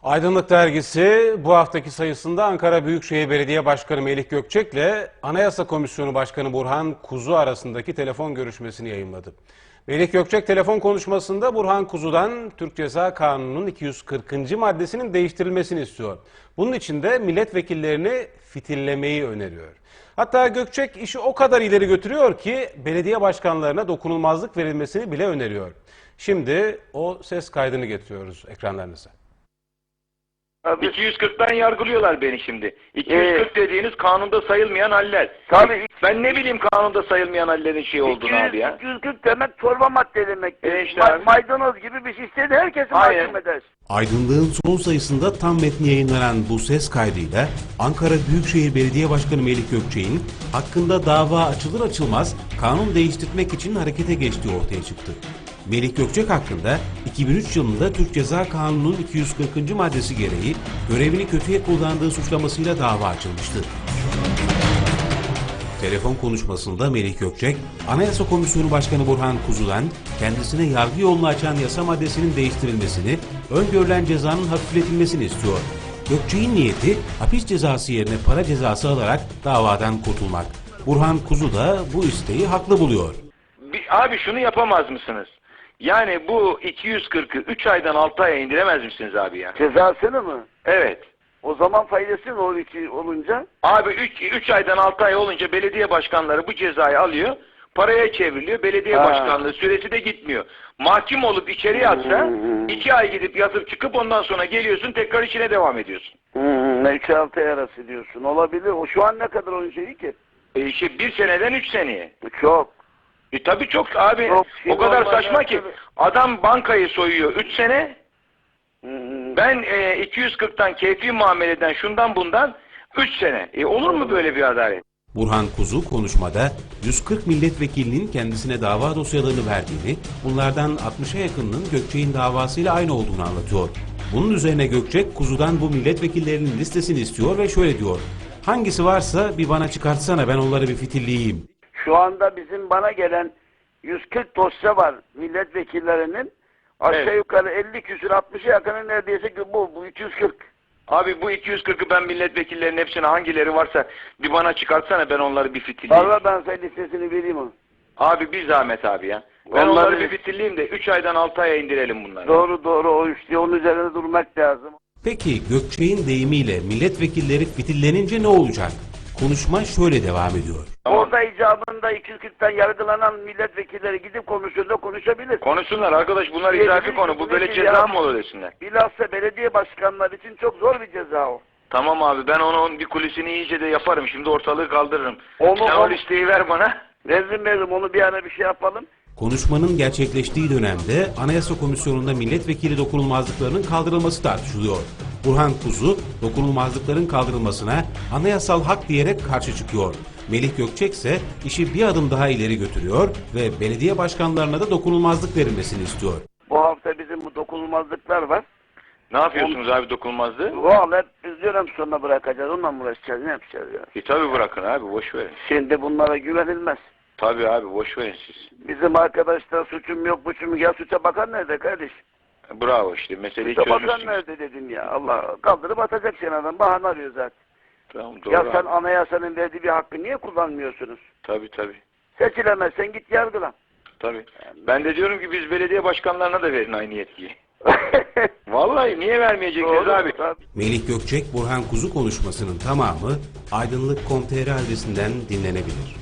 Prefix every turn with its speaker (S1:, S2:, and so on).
S1: Aydınlık Dergisi bu haftaki sayısında Ankara Büyükşehir Belediye Başkanı Melih Gökçek ile Anayasa Komisyonu Başkanı Burhan Kuzu arasındaki telefon görüşmesini yayımladı. Melih Gökçek telefon konuşmasında Burhan Kuzu'dan Türk Ceza Kanunu'nun 240. maddesinin değiştirilmesini istiyor. Bunun için de milletvekillerini fitillemeyi öneriyor. Hatta Gökçek işi o kadar ileri götürüyor ki belediye başkanlarına dokunulmazlık verilmesini bile öneriyor. Şimdi o ses kaydını getiriyoruz ekranlarınıza.
S2: 240'tan yargılıyorlar beni şimdi. 240 dediğiniz kanunda sayılmayan haller.
S3: Tabii.
S2: Ben ne bileyim kanunda sayılmayan hallerin şey olduğunu abi ya.
S3: 240 demek çorba madde demek.
S2: İşte abi.
S3: Maydanoz gibi bir şey istedi herkesi mahkum eder.
S1: Aydınlığın son sayısında tam metni yayınlanan bu ses kaydıyla Ankara Büyükşehir Belediye Başkanı Melih Gökçek'in hakkında dava açılır açılmaz kanun değiştirmek için harekete geçtiği ortaya çıktı. Melih Gökçek hakkında 2003 yılında Türk Ceza Kanunu'nun 240. maddesi gereği görevini kötüye kullandığı suçlamasıyla dava açılmıştı. Telefon konuşmasında Melih Gökçek, Anayasa Komisyonu Başkanı Burhan Kuzu'dan kendisine yargı yolunu açan yasa maddesinin değiştirilmesini, öngörülen cezanın hafifletilmesini istiyor. Gökçek'in niyeti hapis cezası yerine para cezası alarak davadan kurtulmak. Burhan Kuzu da bu isteği haklı buluyor.
S2: Abi şunu yapamaz mısınız? Yani bu 240'ı 3 aydan 6 aya indiremez misiniz abi ya?
S3: Cezasını mı?
S2: Evet.
S3: O zaman faydası ne olur ki olunca?
S2: Abi 3 aydan 6 ay olunca belediye başkanları bu cezayı alıyor, paraya çevriliyor, belediye başkanlığı süresi de gitmiyor. Mahkum olup içeri yatsa 2 ay gidip yatıp çıkıp ondan sonra geliyorsun tekrar içine devam ediyorsun.
S3: 3-6 ay arası diyorsun. Olabilir. O şu an ne kadar onun şeyi ki?
S2: İşte 1 seneden 3 seneye.
S3: Çok.
S2: Tabii çok abi.
S3: Çok,
S2: o kadar saçma
S3: ya,
S2: ki.
S3: tabii.
S2: Adam bankayı soyuyor 3 sene. Ben 240'tan keyfi muameleden şundan bundan 3 sene. Olur mu böyle bir adalet?
S1: Burhan Kuzu konuşmada 140 milletvekilinin kendisine dava dosyalarını verdiğini, bunlardan 60'a yakınının Gökçek'in davasıyla aynı olduğunu anlatıyor. Bunun üzerine Gökçek, Kuzu'dan bu milletvekillerinin listesini istiyor ve şöyle diyor: "Hangisi varsa bir bana çıkartsana, ben onları bir fitilleyeyim."
S3: Şu anda bizim bana gelen 140 dosya var milletvekillerinin. Aşağı yukarı 50 küsür 60'a yakını neredeyse bu 240.
S2: Abi bu 240'ı ben milletvekillerinin hepsine hangileri varsa bir bana çıkartsana, ben onları bir fitilleyeyim.
S3: Valla ben sana listesini vereyim o.
S2: Abi bir zahmet abi ya. Ben onları bir fitilleyeyim de 3 aydan 6 aya indirelim bunları.
S3: Doğru o işte onun üzerine durmak lazım.
S1: Peki Gökçek'in deyimiyle milletvekilleri fitillenince ne olacak? Konuşma şöyle devam ediyor.
S2: Tamam.
S3: Orada icabında 240'tan yargılanan milletvekilleri gidip komisyonda konuşabilir.
S2: Konuşsunlar arkadaş, bunlar izafi konu. Bu böyle ceza mı olur desinler.
S3: Bilhassa belediye başkanları için çok zor bir ceza o.
S2: Tamam abi, ben onun bir kulisini iyice de yaparım. Şimdi ortalığı kaldırırım.
S3: Onu-
S2: Sen o listeyi ver bana.
S3: Veririm onu bir ara bir şey yapalım.
S1: Konuşmanın gerçekleştiği dönemde Anayasa Komisyonu'nda milletvekili dokunulmazlıklarının kaldırılması tartışılıyor. Burhan Kuzu, dokunulmazlıkların kaldırılmasına anayasal hak diyerek karşı çıkıyor. Melih Gökçek ise işi bir adım daha ileri götürüyor ve belediye başkanlarına da dokunulmazlık verilmesini istiyor.
S3: Bu hafta bizim bu dokunulmazlıklar var.
S2: Ne yapıyorsunuz abi dokunulmazlığı?
S3: Valla hep biz dönem sonuna bırakacağız. Onunla mı uğraşacağız? Ne yapacağız ya?
S2: Tabii bırakın abi, boş verin.
S3: Şimdi bunlara güvenilmez.
S2: Tabii abi, boş verin siz.
S3: Bizim arkadaşlar suçum yok buçum yok. Ya suça bakan nerede kardeş?
S2: Bravo, işte meseleyi
S3: Suça bakan
S2: çözmüşsünüz.
S3: nerede dedin ya? Allah kaldırıp atacak seni adam. Bahane arıyor zaten.
S2: Tamam, doğru
S3: Ya sen
S2: abi.
S3: anayasanın verdiği bir hakkı niye kullanmıyorsunuz?
S2: Tabii.
S3: Seçilemezsen git yargılan.
S2: Tabii. Ben de diyorum ki biz belediye başkanlarına da verin aynı yetkiyi. Vallahi niye vermeyeceksiniz abi?
S3: Tabii.
S1: Melih Gökçek, Burhan Kuzu konuşmasının tamamı Aydınlık.com.tr adresinden dinlenebilir.